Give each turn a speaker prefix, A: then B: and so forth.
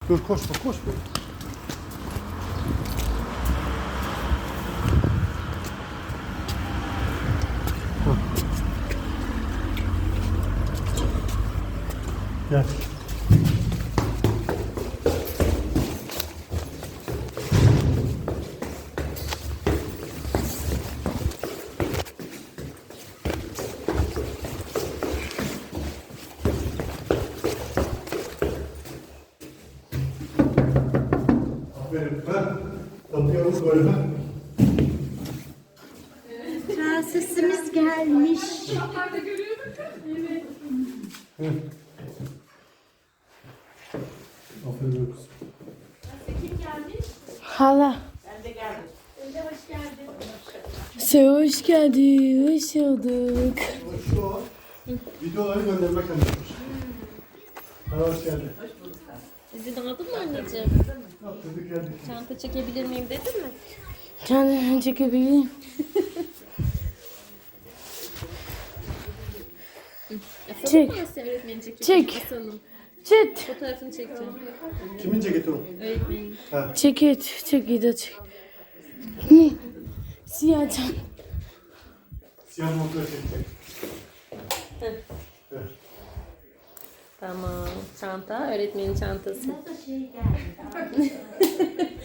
A: Dur koşma koşma. Gel. Aferin. Ha? Kapıya vur böyle. Ha?
B: Prensesimiz gelmiş.
A: Evet. Aferin kızım.
C: Kim gelmiş?
B: Hala.
C: Ben de geldim. Sen de hoş geldin.
B: Sen hoş geldin. Hoş bulduk.
A: Şu an videoları göndermek önemli. Hoş geldin.
C: İzin aldın mı anneciğim?
A: Atladık geldik.
C: Çanta çekebilir miyim dedin mi?
B: Kendimi çekebileyim. Çek.
C: Öğretmeni çekecek.
B: Çek.
C: Asalım.
B: Çek.
C: Fotoğrafını çekeceğim.
A: Kimin ceketi o?
C: Öğretmenin.
A: Ha.
B: Çek et. Çek et. Çek. Ne? Siyah can.
A: Siyah montla çekecek.
C: Tamam. Çanta. Öğretmenin çantası.
B: Nasıl şey geldi?